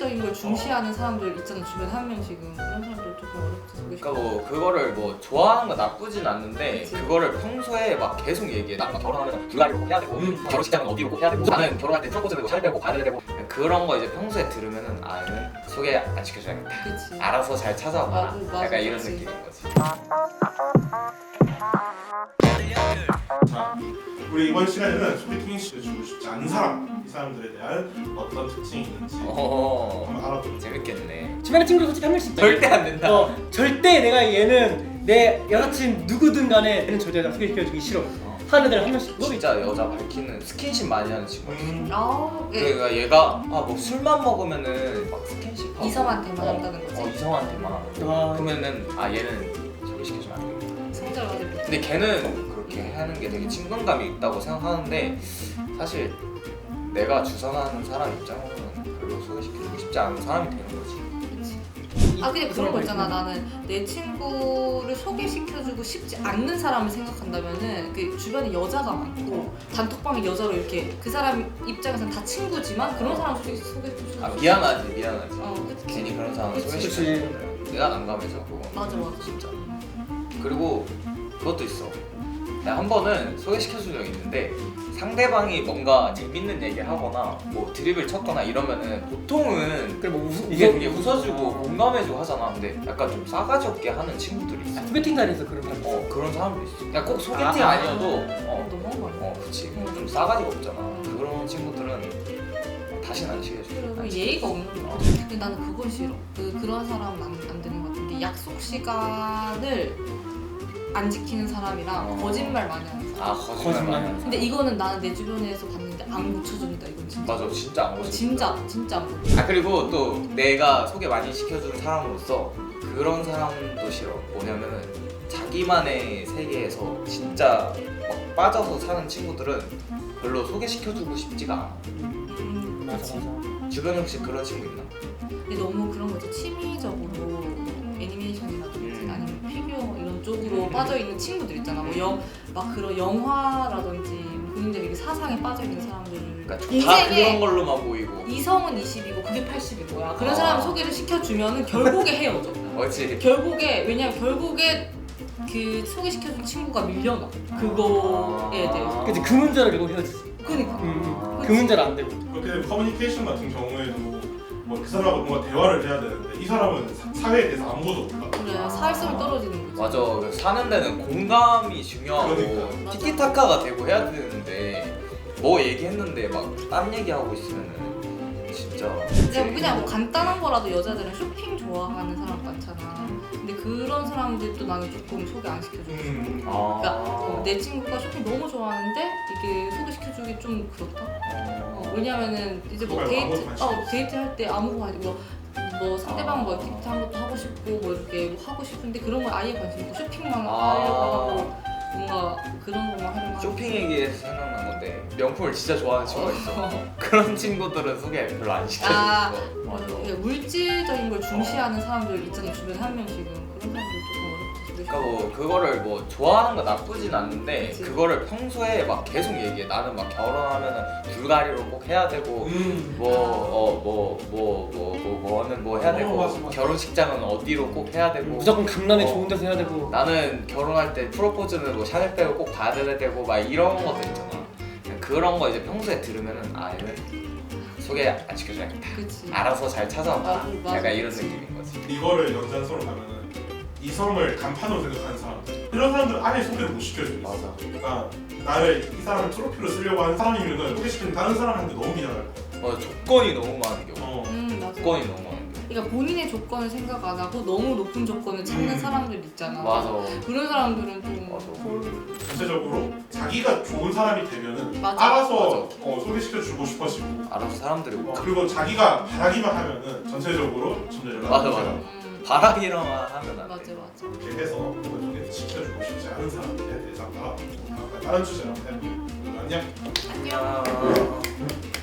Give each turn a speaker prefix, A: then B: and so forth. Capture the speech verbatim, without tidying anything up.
A: 물질적인 걸 중시하는 사람들 있잖아, 주변에 한 명씩은. 그런 사람들 조금 어렵지.
B: 그러니까 뭐 그거를 뭐 좋아하는 건 나쁘진 않는데
A: 그치.
B: 그거를 평소에 막 계속 얘기해. 나 결혼하면 불가리로 꼭 해야 되고 음. 결혼식장은 어디로 꼭 해야 되고 나는 결혼할 때 프로포즈는 살 빼고 가야 되고 그런 거 이제 평소에 들으면은 아 얘는 소개 안 시켜줘야겠다.
A: 그치.
B: 알아서 잘 찾아봐라.
A: 맞아, 맞아,
B: 약간 이런
A: 그치.
B: 느낌인 거지.
C: 자, 우리 이번 시간에는 소개팅 시켜주고 싶지 않은 사람, 이 사람들에 대한 어떤 특징이 있는지
B: 어허
C: 한번 알아보자.
B: 재밌겠네.
D: 주변에 친구 솔직히 한 명씩 있잖아.
B: 절대 안 된다.
D: 어, 절대 내가 얘는 내 여사친 누구든 간에 얘는 절대 나 소개시켜주기 싫어
B: 어.
D: 하는 애들 한 명씩.
B: 진짜 여자 밝히는 스킨십 많이 하는 친구.
C: 음,
A: 아, 예.
B: 그러니까 얘가 아 뭐 술만 먹으면은 막 스킨십 하고
A: 이성한테만
B: 어,
A: 한다는 거지?
B: 어 이성한테만 하고
D: 아.
B: 그러면은 아 얘는 소개시켜주면 안 되겠다.
A: 성적을 가지고.
B: 근데 걔는 그렇게 하는 게 되게 친근감이 있다고 생각하는데 사실 내가 주선하는 사람 입장으로는 별로 소개시켜주고 싶지 않은 사람이 되는 거지.
A: 아 근데 그런 거 있잖아. 나는 내 친구를 소개시켜주고 싶지 않는 사람을 생각한다면은 그 주변에 여자가 많고 단톡방에 여자로 이렇게 그 사람 입장에서는 다 친구지만 그런 사람 솔직히 소개해주고
B: 아 미안하지 미안하지.
A: 어 그치.
B: 괜히 그런 사람
A: 그치.
B: 소개시켜주면 내가 난감해서 그거.
A: 맞아 맞아.
B: 진짜. 그리고 그것도 있어. 내가 한 번은 소개시켜준 적이 있는데 상대방이 뭔가 재밌는 얘기를 하거나 뭐 드립을 쳤거나 이러면은 보통은
D: 그래 뭐 웃,
B: 이게
D: 웃어-
B: 되게 웃어주고 공감해주고 하잖아. 근데 약간 좀 싸가지 없게 하는 친구들이 있어.
D: 아, 소개팅 자리에서 그런 사람.
B: 어 그런 사람도 있어. 그냥 꼭 소개팅
D: 아,
B: 아, 니어도 어,
A: 너무한 거 아니야?
B: 어 그치 좀 싸가지가 없잖아. 그런 친구들은 다시는 안 시켜줘.
A: 그리고
B: 안
A: 예의가
B: 시켜줘.
A: 없는 거
B: 어.
A: 같아. 근데 나는 그건 싫어. 그 그런 사람은 안, 안 되는 것 같은데 약속 시간을 안 지키는 사람이랑
B: 어.
A: 거짓말 많이 하는 사람.
B: 아 거짓말
D: 거짓말.
B: 많이 하는
A: 근데 이거는 나는 내 주변에서 봤는데 안 고쳐준다. 이건 진짜.
B: 맞아 진짜 안
A: 어,
B: 거짓말.
A: 진짜 진짜 안 고쳐.
B: 아 그리고 또 내가 소개 많이 시켜준 사람으로서 그런 사람도 싫어. 뭐냐면은 자기만의 세계에서 진짜 막 빠져서 사는 친구들은 별로 소개시켜주고 싶지가 않아.
A: 음,
D: 맞아
A: 그치.
D: 맞아.
B: 주변에 혹시 그런 친구 있나?
A: 근데 너무 그런 거지. 취미적으로 애니메이션이라든지
B: 음.
A: 아니면 피규어 이런 쪽으로 빠져 있는 친구들 있잖아. 뭐 영 막 그런 영화라든지 본인들이 이게 사상에 빠져 있는 사람들.
B: 그러니까 다
A: 인생에
B: 그런 걸로만 보이고.
A: 이성은 이십이고 그게 팔십인 거야. 그런
B: 아.
A: 사람 소개를 시켜주면은 결국에 헤어져.
B: 그렇지.
A: 결국에 왜냐면 결국에 그 소개시켜준 친구가 밀려나. 그거에 대해서.
D: 그치 그 문제를 결국 헤어지지.
A: 그러니까.
D: 음, 음. 그 문제는 안 되고.
C: 그렇게 되면 커뮤니케이션 같은 경우에도 뭐 그 사람하고 뭔가 대화를 해야 되는데 이 사람은 사, 사회에 대해서 아무것도 몰라.
A: 그래 사회성이 떨어지는 거지.
B: 맞아. 사는 데는 공감이 중요하고
C: 그러니까.
B: 티키타카가 되고 해야 되는데 뭐 얘기했는데 막 딴 얘기하고 있으면은 진짜.
A: 그냥, 그냥 뭐 간단한 거라도 여자들은 쇼핑 좋아하는 사람 많잖아. 근데 그런 사람들도 나는 조금 소개 안 시켜주고 싶어.
C: 음,
B: 아.
A: 그러니까 어, 내 친구가 쇼핑 너무 좋아하는데 이게 소개시켜주기 좀 그렇다. 어, 왜냐면은 이제 뭐
C: 그거야,
A: 데이트,
C: 아무것도 관심
A: 어,
C: 없어.
A: 데이트 할 때 아무거 아니고 뭐, 뭐 상대방 뭐 액티비티 한 것도 하고 싶고 뭐 이렇게 뭐 하고 싶은데 그런 거 아예 관심 없고 쇼핑만
B: 아.
A: 하려고 하고 뭔가 그런 것만 하려고 하고.
B: 쇼핑 얘기해서 생각난 건데 명품을 진짜 좋아하는 친구가 있어.
A: 어.
B: 그런 친구들은 소개 별로 안 시켜주고.
A: 아.
B: 맞아.
A: 이게 물질적인 걸 중시하는 사람들 있잖아, 주변에 한 명씩은. 그런 사람들 조금 어렵지.
B: 그러니까 뭐 그거를 뭐 좋아하는 건 나쁘진 않는데
A: 그치.
B: 그거를 평소에 막 계속 얘기해. 나는 막 결혼하면은 불가리로 꼭 해야 되고
C: 음.
B: 뭐 어 뭐 뭐 뭐 뭐 뭐는 뭐 해야
C: 어,
B: 되고
C: 맞아, 맞아.
B: 결혼식장은 어디로 꼭 해야 되고
D: 무조건 강남에
B: 어.
D: 좋은 데서 해야 되고.
B: 나는 결혼할 때 프로포즈는 뭐 샤넬 빼고 꼭 가야 되고 막 이런 것들 있잖아. 그냥 그런 거 이제 평소에 들으면은 아 얘는 소개 안 시켜줘야겠다.
A: 그치.
B: 알아서 잘 찾아봐.
A: 맞아, 맞아,
B: 약간 이런
A: 그치.
B: 느낌인 거지.
C: 이거를 연장선으로 가면은 이성을 간판으로 생각하는 사람들 이런 사람들 아예 소개를 못 시켜줘.
B: 맞아.
C: 그러니까 나를 이 사람을 트로피로 쓰려고 하는 사람이면은 소개시키는 다른 사람한테 너무 미안할 거야.
B: 어 조건이 너무 많은 경우.
C: 어.
A: 음, 맞아.
B: 조건이 너무 많은 경우.
A: 그러니까 본인의 조건을 생각 안 하고 너무 높은 조건을 찾는
C: 음.
A: 사람들 있잖아.
B: 맞아.
A: 그런 사람들은 좀
B: 맞아.
A: 덜-
C: 전체적으로 자기가 좋은 사람이 되면은
A: 맞아.
C: 알아서
B: 맞아.
C: 어, 소개시켜 주고 싶어지고
B: 알아서 사람들이
C: 어,
B: 뭐
C: 그리고 자기가 바라기만 하면은 전체적으로 점점 연락이
B: 맞아,
C: 오잖아.
B: 맞아.
A: 음,
B: 바라기로만 하면 안
A: 맞아
B: 돼.
A: 맞아.
C: 이렇게 해서 소개 시켜주고 싶지 않은 사람들에 대해서 한번 알아보고 다른 주제로 한번 해볼게요. 안녕.
A: 안녕.
B: 안녕.